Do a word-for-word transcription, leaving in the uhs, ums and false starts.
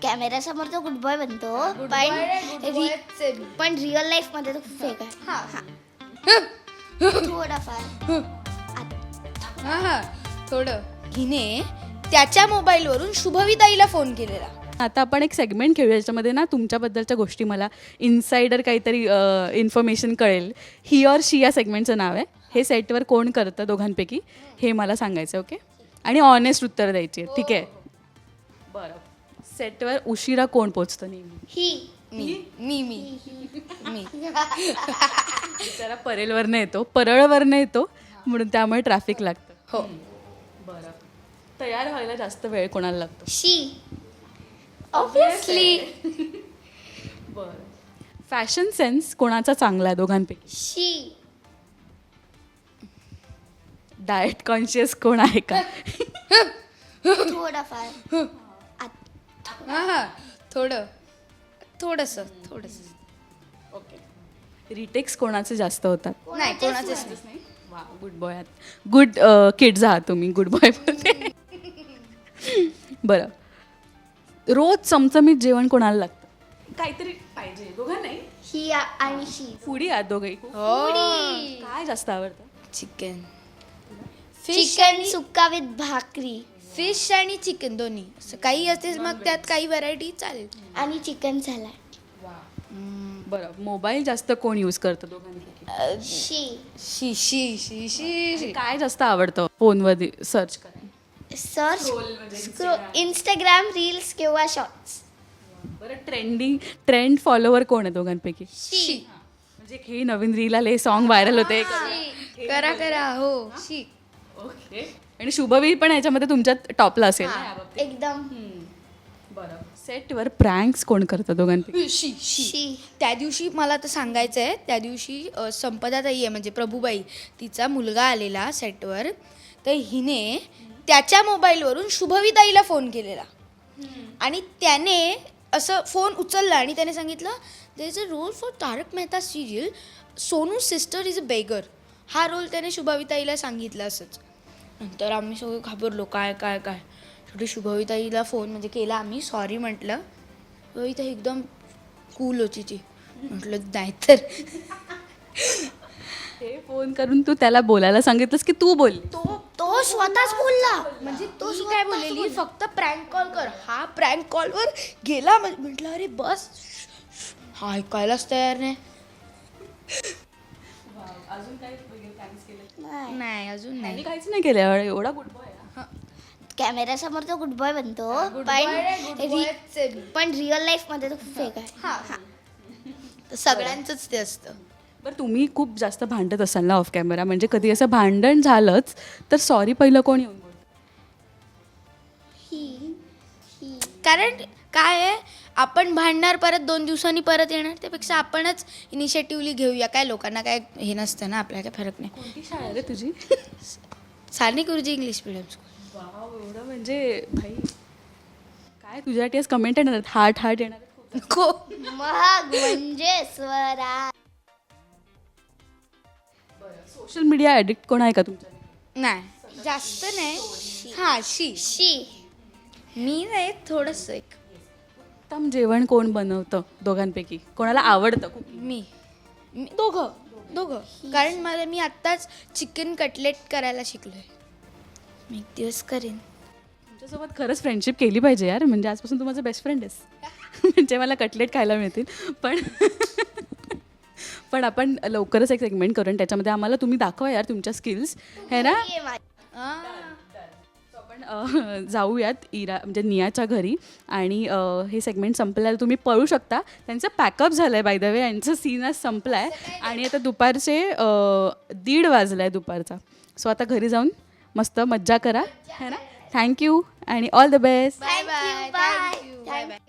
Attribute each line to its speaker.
Speaker 1: कॅमेऱ्यासमोर तो good boy बनतो पण रि- पण रिअल लाईफ मध्ये तो खूप फेक आहे थोडाफार
Speaker 2: हा हा थोडं. हिने त्याच्या मोबाईलवरून शुभविताईला फोन केलेला.
Speaker 3: आता आपण एक सेगमेंट खेळूया ज्याच्यामध्ये ना तुमच्याबद्दलच्या गोष्टी मला इन्साइडर काहीतरी इन्फॉर्मेशन कळेल. ही ऑर शी या सेगमेंटचं नाव आहे. हे सेटवर कोण करतं दोघांपैकी हे मला सांगायचं. ओके आणि ऑनेस्ट उत्तर द्यायची आहे. ठीक आहे बरं. सेटवर उशिरा कोण पोचतं नेहमी?
Speaker 1: ही
Speaker 2: मी मी मी मी
Speaker 3: बिचारा परेलवरनं येतो परळवरनं येतो म्हणून त्यामुळे ट्रॅफिक लागतं.
Speaker 2: हो.
Speaker 3: बरं. तयार व्हायला जास्त वेळ कोणाला लागतो?
Speaker 1: शी ऑब्विसली
Speaker 3: बरं. फॅशन सेन्स कोणाचा चांगला आहे दोघांपैकी?
Speaker 1: शी
Speaker 3: डाएट कॉन्शियस कोण आहे का?
Speaker 1: थोडाफार
Speaker 2: हा हा थोडं थोडंसं थोडंसं.
Speaker 3: ओके. रिटेक्स कोणाचे जास्त होतात?
Speaker 2: नाही कोणाचंच नाही.
Speaker 3: वा गुड बॉय आहात. गुड किड्स आहात तुम्ही. गुड बॉय बोलते. बरं. रोज चमचमीत जेवण कोणाला लागतं? काहीतरी पाहिजे दोघं नाही.
Speaker 1: ही आ- आणि शी
Speaker 3: फुडी आहात दोघंही.
Speaker 2: हो.
Speaker 3: काय जास्त आवडतं?
Speaker 2: चिकन फिश
Speaker 1: चिकन सुक्का विथ भाकरी
Speaker 2: फिश आणि चिकन दोन्ही असं काही असते मग त्यात काही व्हरायटी चालेल.
Speaker 1: आणि चिकन सॅलड
Speaker 3: बरं. मोबाईल जास्त कोण यूज करतं दोघांपैकी?
Speaker 1: शी
Speaker 2: शी शी शी शी शी
Speaker 3: काय जास्त आवडतं फोनवर सर्च करायला?
Speaker 1: सर्च इंस्टाग्राम रील्स किंवा शॉर्ट्स.
Speaker 3: बरं. ट्रेंडिंग ट्रेंड फॉलोवर कोण आहे दोघांपैकी?
Speaker 2: शी
Speaker 3: म्हणजे हे नवीन रील आले सॉन्ग व्हायरल होते.
Speaker 2: करा करा हो शी.
Speaker 3: ओके. आणि शुभवी पण याच्यामध्ये तुमच्यात टॉपला असेल.
Speaker 1: एकदम
Speaker 3: बरं. सेटवर प्रँक्स कोण करतं दोघांपैकी?
Speaker 2: शी शी
Speaker 1: शी
Speaker 2: त्या दिवशी मला आता सांगायचं आहे त्या दिवशी अ, संपदाताई आहे म्हणजे प्रभूबाई तिचा मुलगा आलेला सेटवर तर हिने त्याच्या मोबाईलवरून शुभविताईला फोन केलेला आणि त्याने असं फोन उचलला आणि त्याने सांगितलं there is a role for Tarak Mehta serial Sonu sister is a beggar हा रोल त्याने शुभविताईला सांगितला असंच. नंतर आम्ही सगळे घाबरलो काय काय काय शेवटी शुभविताईला फोन म्हणजे केला आम्ही सॉरी म्हटलं. शुभविताई एकदम कूल होती ती म्हटलं नाही तर
Speaker 3: ते फोन करून तू त्याला बोलायला सांगितलंस की तू बोल?
Speaker 1: तो तो स्वतःच बोलला
Speaker 2: म्हणजे तो काय बोललेली फक्त प्रँक कॉल कर हा प्रँक कॉलवर गेला म्हणजे म्हटलं अरे बस हा ऐकायलाच तयार नाही.
Speaker 3: अजून काही थँक्स केलं?
Speaker 2: नाही अजून नाही.
Speaker 3: काहीच नाही केलं. एवढा गुड बॉय.
Speaker 1: कॅमेऱ्यासमोर तो गुड बॉय बनतो पण रि- पण रिअल लाईफ मध्ये तो खूप फेक आहे.
Speaker 2: सगळ्यांचंच ते असतं.
Speaker 3: बरं. तुम्ही खूप जास्त भांडत असाल ना ऑफ कॅमेरा म्हणजे कधी असं भांडण झालंच तर सॉरी पहिलं कोण येऊन बोलतं?
Speaker 1: ही ही
Speaker 2: कारण काय आहे आपण भांडणार परत दोन दिवसांनी परत येणार त्यापेक्षा आपणच इनिशिएटिव्हली घेऊया. काय लोकांना काय हे नसतं ना आपल्याला काय फरक नाही.
Speaker 3: कोणती शाळा रे तुझी?
Speaker 2: सारणी गुरुजी इंग्लिश मिडियम स्कूल.
Speaker 3: वाव एवढं म्हणजे भाई काय तुझ्यासाठी आज कमेंट येणार आहेत हार्ट हार्ट येणार आहेत.
Speaker 2: को
Speaker 1: महाग म्हणजे स्वरा.
Speaker 3: सोशल मीडिया ॲडिक्ट कोण आहे का तुमच्या?
Speaker 2: नाही जास्त नाही. हां शी
Speaker 1: शी
Speaker 2: मी नाही थोडंसं एक
Speaker 3: उत्तम जेवण कोण बनवतं दोघांपैकी? कोणाला आवडतं खूप?
Speaker 2: मी मी दोघं दोघं कारण मला मी आत्ताच चिकन कटलेट करायला शिकलोय. मी एक दिवस करेन.
Speaker 3: तुमच्यासोबत खरंच फ्रेंडशिप केली पाहिजे यार. म्हणजे आजपासून तू माझा बेस्ट फ्रेंड आहेस. म्हणजे मला कटलेट खायला मिळतील. पण पण आपण लवकरच एक सेगमेंट करू आणि त्याच्यामध्ये आम्हाला तुम्ही दाखवा यार तुमच्या स्किल्स है ना.
Speaker 1: ये मा-
Speaker 3: So आपण अ, जाऊयात इरा म्हणजे नियाच्या घरी आणि अ, हे सेगमेंट संपल्यावर तुम्ही पळू शकता. त्यांचं पॅकअप झालं आहे बाय द वे. यांचं सीन आज संपला आहे आणि आता दुपारचे अ, दीड वाजला आहे दुपारचा. सो आता घरी जाऊन मस्त मज्जा करा है ना. थँक्यू आणि all the best.
Speaker 2: Bye bye
Speaker 1: Bye.
Speaker 2: Thank you bye bye.